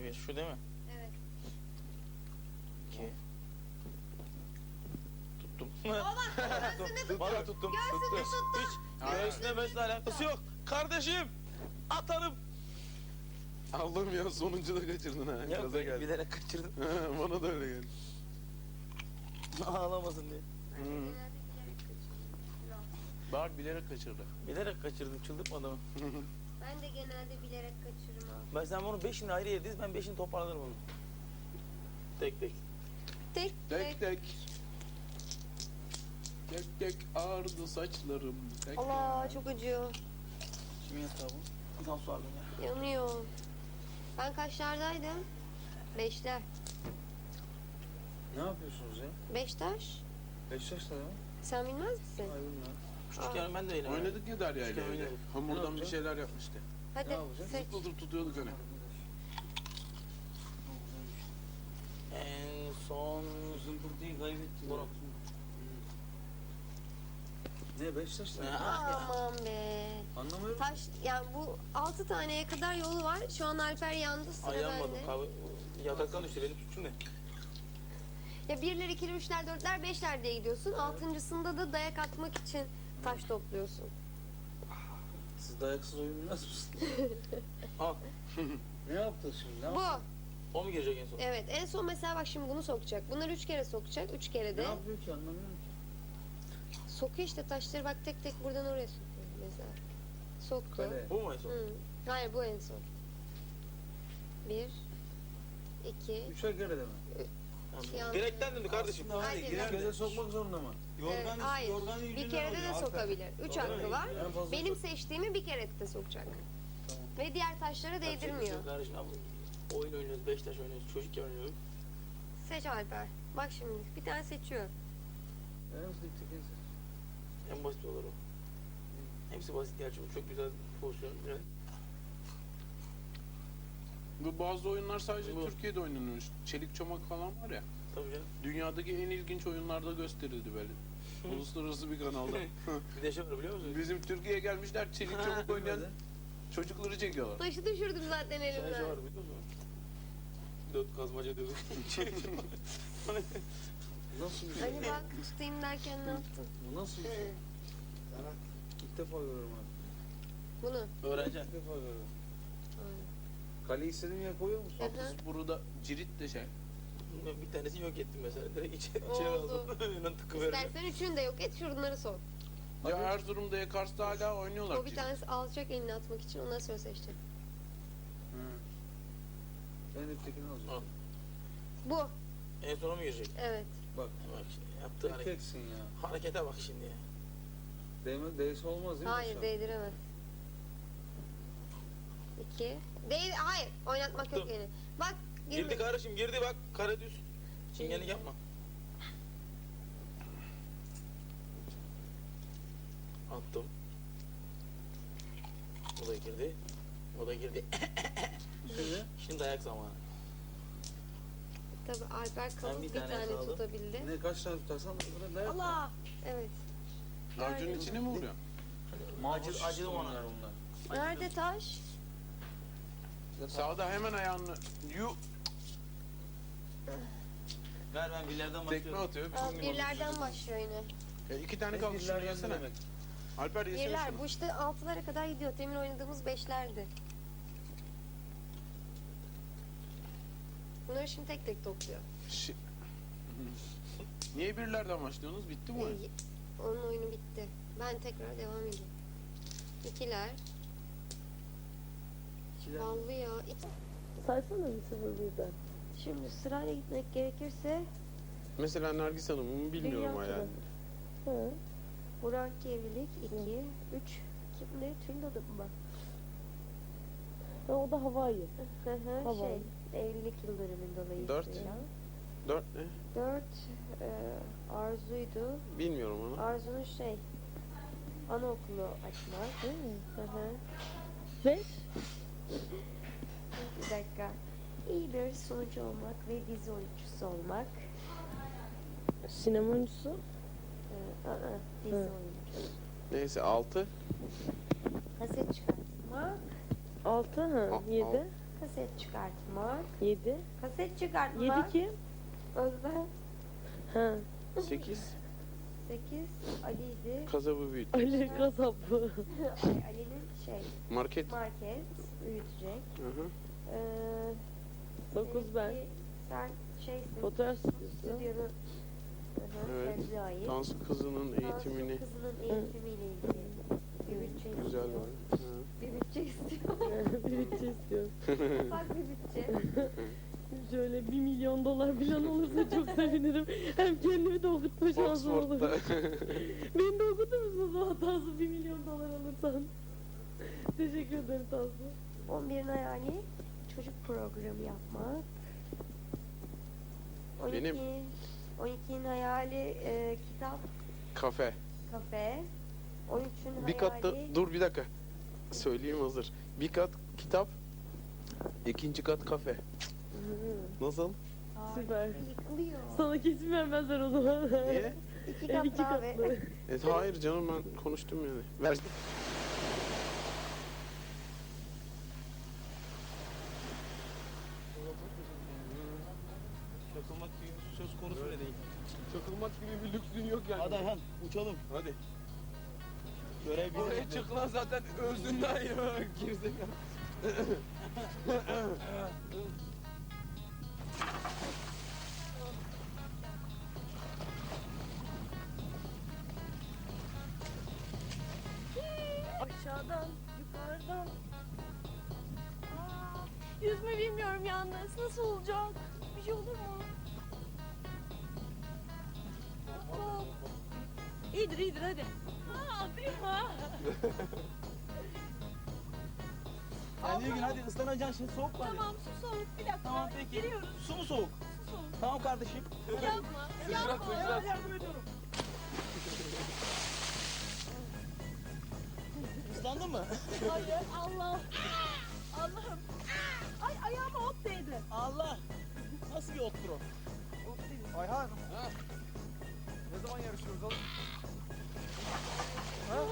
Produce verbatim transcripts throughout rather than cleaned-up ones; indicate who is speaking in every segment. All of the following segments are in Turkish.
Speaker 1: bir. Şu değil mi?
Speaker 2: Evet.
Speaker 1: İki. Tuttum.
Speaker 2: Baba göğsünde tuttum.
Speaker 1: Valla tuttum.
Speaker 2: Göğsünde tuttum.
Speaker 1: Hiç göğsüne besle alakası yok. Kardeşim atarım.
Speaker 3: Allah'ım ya sonuncu da kaçırdın ha.
Speaker 1: Ya
Speaker 3: Gaza geldi.
Speaker 1: bilerek kaçırdım.
Speaker 3: Bana da öyle geldi.
Speaker 1: Ağlamasın diye.
Speaker 3: Hı.
Speaker 2: Genelde bilerek kaçırıyorum.
Speaker 3: Bak bilerek kaçırdı.
Speaker 1: Bilerek kaçırdım, çıldırtma adamı.
Speaker 2: Ben de genelde bilerek kaçırırım abi.
Speaker 1: Ben sen bunu beşini ayrı yediz, ben beşini toparlarım onu. Tek tek.
Speaker 2: Tek
Speaker 3: Tek tek. Tek tek ağrıdı saçlarım. Tek
Speaker 2: Allah çok acıyor.
Speaker 1: Kimin yatağı bu? Tam su aldım ya.
Speaker 2: Yanıyor. Ben kaçlardaydım? Beşler.
Speaker 4: Ne yapıyorsunuz ya?
Speaker 2: Beştaş.
Speaker 4: Beşiktaş'ta ya.
Speaker 2: Sen bilmez misin?
Speaker 4: Ay bilmiyorum.
Speaker 1: Küçükken ben de öyle.
Speaker 3: Oynadık ya Derya ile
Speaker 1: Küçükken
Speaker 3: öyle.
Speaker 1: oynadık.
Speaker 4: Ne
Speaker 3: Hamurdan bir
Speaker 4: yapacağız?
Speaker 3: şeyler yapmıştı.
Speaker 2: Hadi
Speaker 4: Ne yapacağız?
Speaker 2: seç.
Speaker 3: Zıplatıp tutuyorduk hani.
Speaker 1: En son...
Speaker 4: Zımbırtıyı kaybettik.
Speaker 1: Bunu.
Speaker 4: Ne Beşiktaş'ta?
Speaker 1: Ha.
Speaker 2: Aman be.
Speaker 4: Anlamıyorum.
Speaker 2: Taş, yani bu altı taneye kadar yolu var. Şu an Alper yandı, sıra
Speaker 1: Ayağım
Speaker 2: bende.
Speaker 1: kahve... Yataktan düştü, benim suçum ne?
Speaker 2: Ya birler, ikiler, üçler, dörtler, beşler diye gidiyorsun. Altıncısında da dayak atmak için taş topluyorsun.
Speaker 4: Siz dayaksız oyun bilmez misiniz?
Speaker 1: Al.
Speaker 4: Ne yaptın şimdi? Ne
Speaker 2: Bu.
Speaker 4: yaptın?
Speaker 1: O mu girecek en son?
Speaker 2: Evet. En son mesela bak şimdi bunu sokacak. Bunları üç kere sokacak. Üç kere
Speaker 4: Ne
Speaker 2: de.
Speaker 4: yapıyor ki anlamıyorum ki.
Speaker 2: Sokuyor işte taşları bak tek tek buradan oraya sokuyor mesela. Soktu.
Speaker 4: Kale.
Speaker 1: Bu mu en son?
Speaker 2: Hı. Hayır bu en son. Bir. iki.
Speaker 4: Üçer kere de mi?
Speaker 2: Yanlış.
Speaker 1: Direkten döndü kardeşim.
Speaker 4: Aslında
Speaker 2: Hayır,
Speaker 4: hani girer
Speaker 2: hayır.
Speaker 4: kere sokmak zorunda mı?
Speaker 2: Evet, hayır. Bir kere de de sokabilir. Üç hakkı var.
Speaker 4: En fazla
Speaker 2: Benim
Speaker 4: sok-
Speaker 2: seçtiğimi bir kere de sokacak.
Speaker 4: Tamam.
Speaker 2: Ve diğer taşlara değdirmiyor.
Speaker 1: Kardeşim abi oyun oynuyoruz, Beşiktaş oynuyoruz, çocukken oynuyoruz.
Speaker 2: Seç Alper. Bak şimdi bir tane seçiyor.
Speaker 4: En hızlı tek en
Speaker 1: En basit olur o. Hepsi basit gerçi bu çok güzel pozisyon. Yani
Speaker 3: Bu bazı oyunlar sadece
Speaker 1: Bu.
Speaker 3: Türkiye'de oynanıyor. Çelik çomak falan var ya.
Speaker 1: tabii canım.
Speaker 3: Dünyadaki en ilginç oyunlarda gösterildi böyle. Uluslararası bir kanalda.
Speaker 1: Bir de şey var biliyor musun?
Speaker 3: Bizim Türkiye'ye gelmişler çelik çomak oynayan çocukları çekiyorlar.
Speaker 2: Taşı düşürdüm zaten
Speaker 1: Sen şey
Speaker 2: elimden.
Speaker 1: var biliyor musun? Dört kazmaca diyorduk.
Speaker 4: Nasıl bir şey?
Speaker 2: Hani bak tutayım derken ne yaptın?
Speaker 4: Bu nasıl bir şey? İlk defa görüyorum abi.
Speaker 2: Bunu.
Speaker 1: Öğreneceksin.
Speaker 4: İlk defa görüyorum.
Speaker 2: Aynen.
Speaker 4: Kaleyi istediğin yere koyuyor musun?
Speaker 2: Hı hı.
Speaker 3: Haksız burada cirit de şey.
Speaker 1: Bir tanesi yok ettim mesela. Direkt içeri,
Speaker 2: Oldu.
Speaker 1: içeri aldım. Önünden tıkıverdim.
Speaker 2: İstersen üçünü de yok et, şunları sok.
Speaker 3: Ya
Speaker 4: Hadi.
Speaker 3: Erzurum'da ya Kars'ta hala oynuyorlar
Speaker 2: O bir
Speaker 3: cirit.
Speaker 2: tanesi alacak elini atmak için, ondan sonra seçecek.
Speaker 4: Hı. Ben ötekini
Speaker 1: Al.
Speaker 4: alacağım.
Speaker 2: Bu.
Speaker 1: En sona mı girecek?
Speaker 2: Evet.
Speaker 4: Bak.
Speaker 1: Bak şimdi yaptığı
Speaker 4: Tek
Speaker 1: hareket.
Speaker 4: teksin ya.
Speaker 1: Harekete bak şimdi ya.
Speaker 4: Değme, değse olmaz değil mi?
Speaker 2: Hayır,
Speaker 4: aşağı?
Speaker 2: değdiremez. İki. Değil, hayır. Oynatmak yok
Speaker 1: Dur.
Speaker 2: yani. Bak,
Speaker 1: Girdi
Speaker 2: girmedi.
Speaker 1: kardeşim girdi bak kare düz. Çingenlik yapma. Attım. O da girdi. O da girdi.
Speaker 4: Şimdi
Speaker 1: Şimdi dayak zamanı.
Speaker 2: Tabii Alper kalın
Speaker 1: bir
Speaker 2: bir,
Speaker 1: tane
Speaker 2: tane
Speaker 1: kaldı.
Speaker 2: tutabildi.
Speaker 4: ne kaç tane tutarsan buna dayak.
Speaker 2: Allah! Evet.
Speaker 3: Racunun
Speaker 2: Nerede?
Speaker 3: içine mi vuruyor?
Speaker 1: Acı, acılı ona.
Speaker 4: bunlar bunlar.
Speaker 2: Nerede taş?
Speaker 3: Sağda hemen ayağını yu
Speaker 1: Ver ben billerden
Speaker 3: tekme
Speaker 1: başlıyorum.
Speaker 3: atıyor.
Speaker 2: Aa,
Speaker 3: Bizim
Speaker 2: birlerden başlıyor yine.
Speaker 3: Ya iki tane
Speaker 4: Ne
Speaker 3: kaldı şunu
Speaker 4: birler
Speaker 3: yesene.
Speaker 4: demek?
Speaker 3: Alper yesene
Speaker 2: Birler.
Speaker 3: şunu.
Speaker 2: Bu işte altılara kadar gidiyor. Temin oynadığımız beşlerdi. Bunları şimdi tek tek topluyor.
Speaker 3: Şi- Niye birlerden başlıyorsunuz? Bitti mi oyun?
Speaker 2: Ee, onun oyunu bitti. Ben tekrar devam edeyim. İkiler.
Speaker 4: İkiler.
Speaker 2: Ballı ya. İki.
Speaker 5: Saysana bir sıfır birden.
Speaker 2: Şimdi sırayla gitmek gerekirse
Speaker 3: Mesela Nergis Hanım'ı bilmiyorum
Speaker 5: Dünya
Speaker 3: hala.
Speaker 5: turu. Hı.
Speaker 2: Burak evlilik iki, üç. Kimdi? Tünda'da mı bak?
Speaker 5: Ha, o da Hawaii.
Speaker 2: Hı hı,
Speaker 5: Tamam.
Speaker 2: şey, evlilik yıldönümün dolayısıyla.
Speaker 3: Dört. Dört ne?
Speaker 2: Dört e, Arzu'ydu.
Speaker 3: Bilmiyorum onu.
Speaker 2: Arzu'nun şey, anaokulu açmak.
Speaker 5: Hı.
Speaker 2: Hı hı.
Speaker 5: Beş.
Speaker 2: Bir dakika. İyi bir sunucu olmak ve dizi oyuncusu olmak.
Speaker 5: Sinema oyuncusu.
Speaker 2: Ee, aa, dizi
Speaker 5: Hı.
Speaker 2: oyuncusu.
Speaker 3: Neyse altı.
Speaker 2: Kaset çıkartmak.
Speaker 5: Altı. Ha.
Speaker 3: Al-
Speaker 5: Yedi.
Speaker 3: al.
Speaker 2: Kaset çıkartmak.
Speaker 5: Yedi.
Speaker 2: Kaset çıkartmak.
Speaker 5: Yedi kim?
Speaker 2: Özlem.
Speaker 5: Ha.
Speaker 3: sekiz.
Speaker 2: sekiz. Ali'ydi.
Speaker 3: Kasabı büyüt.
Speaker 5: Ali kasapı.
Speaker 2: Ay, Ali'nin şey
Speaker 3: Market.
Speaker 2: market büyütecek.
Speaker 3: Hı hı.
Speaker 2: Ee,
Speaker 5: Dokuz ben.
Speaker 2: seninki- Sen şeysin.
Speaker 5: Fotoğraf stüdyosu.
Speaker 2: Stüdyonun. Hı hı,
Speaker 3: Evet.
Speaker 2: kendine ait.
Speaker 3: Dans kızının
Speaker 2: Dans
Speaker 3: eğitimini.
Speaker 2: Kızının eğitimiyle ilgili bir bütçe
Speaker 3: Güzel
Speaker 2: istiyor.
Speaker 3: var. Hı.
Speaker 2: Bir bütçe istiyor.
Speaker 5: Bir bütçe istiyorum.
Speaker 2: Ufak bir bütçe.
Speaker 5: Şöyle bir milyon dolar falan olursa çok sevinirim. Hem kendimi de okutma şansım olur.
Speaker 3: Oxford'da.
Speaker 5: Beni de okutur musun o zaman Tansu bir milyon dolar alırsan? Teşekkür ederim Tansu.
Speaker 2: on birin hayali çocuk programı yapmak. on iki,
Speaker 3: Benim.
Speaker 2: on ikinin hayali e, kitap,
Speaker 3: Kafe.
Speaker 2: kafe. on üçün
Speaker 3: Bir katta
Speaker 2: hayali
Speaker 3: dur bir dakika. Söyleyeyim hazır. Bir kat kitap, ikinci kat kafe. Nasıl?
Speaker 2: Ay,
Speaker 5: Süper.
Speaker 2: yıkılıyor.
Speaker 5: Sana kesin vermezler o zaman.
Speaker 3: Niye?
Speaker 2: İki
Speaker 5: Ev
Speaker 2: kat
Speaker 5: iki
Speaker 2: daha ve
Speaker 5: katlı.
Speaker 3: E, hayır canım ben konuştum yani. Ver.
Speaker 1: Çakılmak gibi bir söz konusu bile değil.
Speaker 3: Çakılmak gibi bir lüksün yok yani.
Speaker 4: Hadi Ayhan uçalım.
Speaker 3: Hadi.
Speaker 4: Görev bize.
Speaker 3: Oraya çık lan zaten özünden ya. Gerizekalı.
Speaker 5: Aşağıdan, yukarıdan. Aa, yüzme bilmiyorum yalnız. Nasıl olacak? Bir şey olur mu? Hop. İyidir iyidir hadi. Ha atayım mı?
Speaker 4: Ya Nilgün hadi ıslanacaksın şimdi soğuk var ya.
Speaker 5: Tamam su soğuk. Bir dakika.
Speaker 4: Tamam peki.
Speaker 5: Giriyoruz.
Speaker 4: Su mu soğuk?
Speaker 5: Su soğuk.
Speaker 4: Tamam kardeşim.
Speaker 5: Yapma.
Speaker 3: Sıçrat
Speaker 5: Yapma.
Speaker 3: sıçrat.
Speaker 4: Yardım ediyorum. Islandın mı?
Speaker 5: Hayır. Allah. Allah'ım. Ay ayağıma ot değdi.
Speaker 4: Allah. Nasıl bir ottur o? Ayhan. Ne zaman yarışıyoruz oğlum? Ha?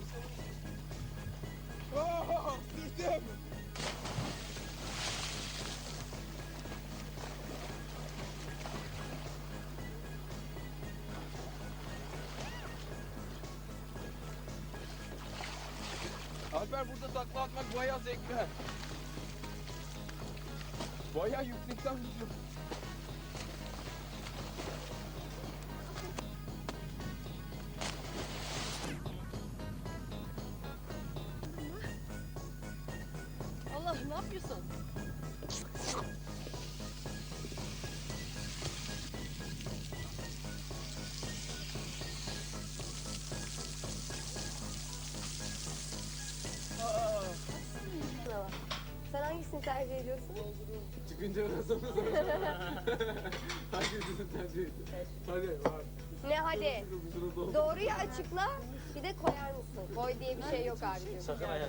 Speaker 4: Oh, düştüm.
Speaker 3: Alper burada takla atmak bayağı zevkli. ha. Bayağı yüksekten gidiyor.
Speaker 5: Allah ne yapıyorsun?
Speaker 2: Bravo. Sen hangisini tercih ediyorsun?
Speaker 3: Çıkınca nasıl hangisini tercih ettin? Hadi var.
Speaker 2: Ne hadi?
Speaker 3: Şurada ol.
Speaker 2: Doğruyu açıkla. Bir de koyar mısın? Koy diye bir şey yok abicim.
Speaker 1: Sakın Ayhan.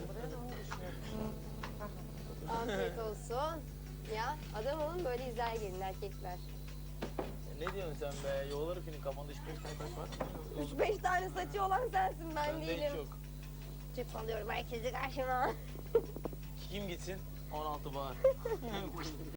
Speaker 2: Afiyet olsun. Ya adam olun böyle izler gelin erkekler.
Speaker 1: Ne diyorsun sen be? Yolları film kafanda üç beş tane taş var.
Speaker 2: Üç beş tane saçı olan sensin ben
Speaker 1: Bende hiç
Speaker 2: değilim.
Speaker 1: yok.
Speaker 2: Cep alıyorum herkesi karşıma.
Speaker 1: Kim gitsin? on altı bağır.